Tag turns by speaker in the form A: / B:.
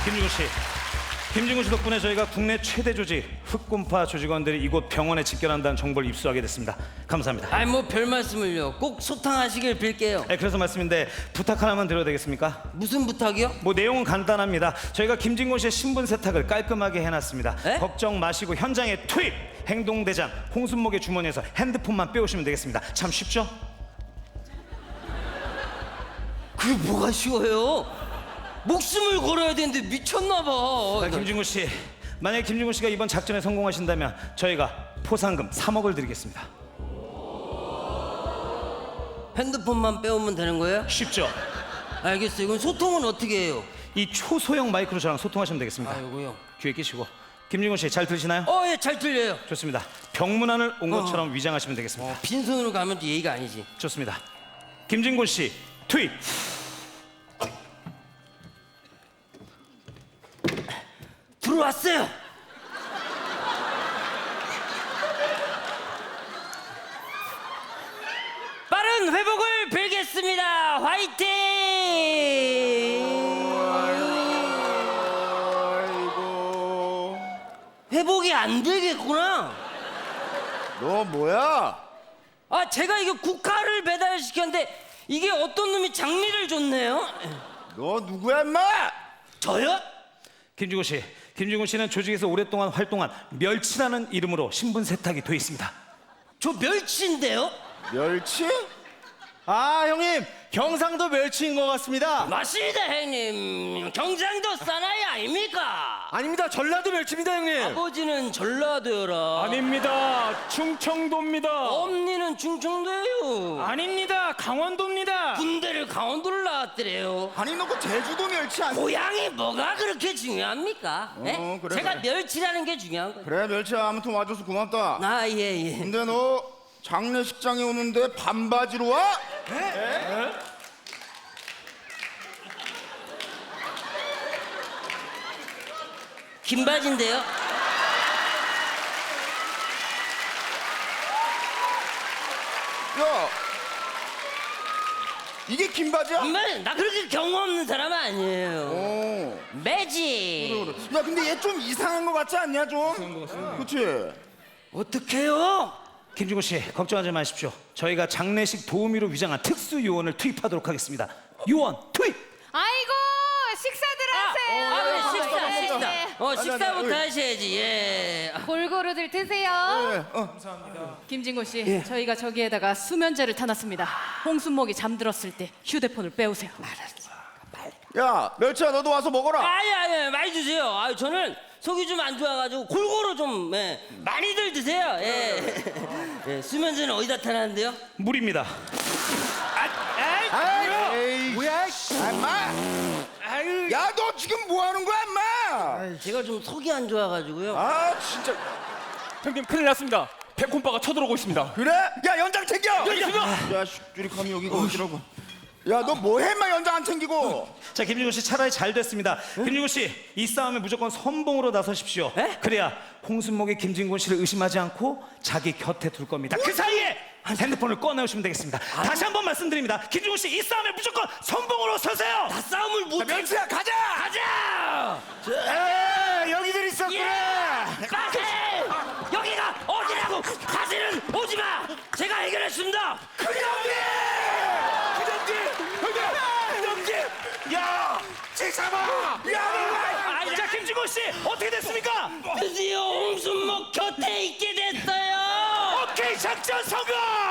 A: 김진구 씨, 김진구 씨 덕분에 저희가 국내 최대 조직 흑곰파 조직원들이 이곳 병원에 집결한다는 정보를 입수하게 됐습니다. 감사합니다.
B: 아이 뭐 별 말씀을요. 꼭 소탕하시길 빌게요.
A: 네, 그래서 말씀인데 부탁 하나만 드려도 되겠습니까?
B: 무슨 부탁이요?
A: 뭐 내용은 간단합니다. 저희가 김진구 씨의 신분 세탁을 깔끔하게 해놨습니다.
B: 에?
A: 걱정 마시고 현장에 투입! 행동대장 홍순목의 주머니에서 핸드폰만 빼오시면 되겠습니다. 참 쉽죠?
B: 그게 뭐가 쉬워요? 목숨을 걸어야 되는데 미쳤나 봐.
A: 자, 김진구 씨, 만약에 김진구 씨가 이번 작전에 성공하신다면 저희가 포상금 3억을 드리겠습니다.
B: 핸드폰만 빼오면 되는 거예요?
A: 쉽죠?
B: 알겠어요. 그럼 소통은 어떻게 해요?
A: 이 초소형 마이크로 저랑 소통하시면 되겠습니다.
B: 아, 요거요.
A: 귀에 끼시고. 김진구 씨 잘 들리시나요?
B: 예, 잘 들려요.
A: 좋습니다. 병문안을 온 것처럼 위장하시면 되겠습니다.
B: 빈손으로 가면 또 예의가 아니지.
A: 좋습니다. 김진구 씨 투입.
B: 들어왔어요. 빠른 회복을 빌겠습니다. 화이팅!
C: 아이고,
B: 회복이 안 되겠구나.
C: 너 뭐야?
B: 아, 제가 이거 국화를 배달시켰는데 이게 어떤 놈이 장미를 줬네요.
C: 너 누구야, 임마?
B: 저요?
A: 김진구 씨, 김진구 씨는 조직에서 오랫동안 활동한 멸치라는 이름으로 신분 세탁이 돼 있습니다.
B: 저 멸치인데요?
C: 멸치?
D: 아 형님 경상도 멸치인 것 같습니다.
B: 맞습니다, 형님. 경상도 사나이 아닙니까?
D: 아닙니다 전라도 멸치입니다 형님.
B: 아버지는 전라도여라.
E: 아닙니다. 충청도입니다.
B: 엄니는 충청도예요.
E: 아닙니다. 강원도입니다.
B: 군대를 강원도를 나왔더래요.
C: 아니 너 그 제주도 멸치 아니야?
B: 고향이 뭐가 그렇게 중요합니까? 예?
C: 그래,
B: 제가
C: 그래.
B: 멸치라는 게 중요한 거예요.
C: 그래 멸치야 아무튼 와줘서 고맙다.
B: 아, 예.
C: 근데 너 장례식장에 오는데 반바지로 와?
B: 긴 바지인데요.
C: 야, 이게 긴 바지야?
B: 정말 나 그렇게 경험 없는 사람 아니에요.
C: 어.
B: 매지.
C: 야 근데 얘 좀 이상한 거 같지 않냐 좀? 그치?
B: 어떡해요?
A: 김진구 씨 걱정하지 마십시오. 저희가 장례식 도우미로 위장한 특수 요원을 투입하도록 하겠습니다. 요원 투입!
F: 아이고 식사들 하세요.
B: 그래, 식사.
F: 네.
B: 식사부터 하셔야지. 예.
F: 골고루들 드세요. 김진구 씨, 저희가 저기에다가 수면제를 타놨습니다. 홍순목이 잠들었을 때 휴대폰을 빼오세요.
C: 야 멸치야 너도 와서 먹어라.
B: 아니, 많이 드세요. 저는 속이 좀 안 좋아가지고 골고루 좀 많이들 드세요. 예. 수면제는 어디다 타놨는데요?
A: 물입니다.
C: 에이 뭐야? 임마. 야 너 지금 뭐 하는 거야 임마?
B: 제가 좀 속이 안 좋아가지고요.
C: 아 진짜.
E: 형님 큰일 났습니다. 백홈바가 쳐들어오고 있습니다.
C: 그래? 야 연장 챙겨. 야 슈리 감이 여기가 어디라고? 야 너 뭐해 임마 연장 안 챙기고?
A: 자, 김진구 씨 차라리 잘 됐습니다. 김진구 씨, 이 싸움에 무조건 선봉으로 나서십시오.
B: 에?
A: 그래야 홍순목이 김진구 씨를 의심하지 않고 자기 곁에 둘 겁니다. 그 사이에 핸드폰을 꺼내오시면 되겠습니다. 다시 한번 말씀드립니다. 김진구 씨, 이 싸움에 무조건 선봉으로 서세요.
B: 나 싸움을 못.
C: 멸치야 가자.
B: 가자.
C: 여기들 있었구나.
B: 빠세! 여기가 어디라고? 다시는 오지 마. 제가 해결했습니다.
C: 야, 지사마. 야,
A: 자, 김진구 씨, 어떻게 됐습니까?
B: 드디어 홍순목 곁에 있게 됐어요.
A: 오케이, 작전 성공!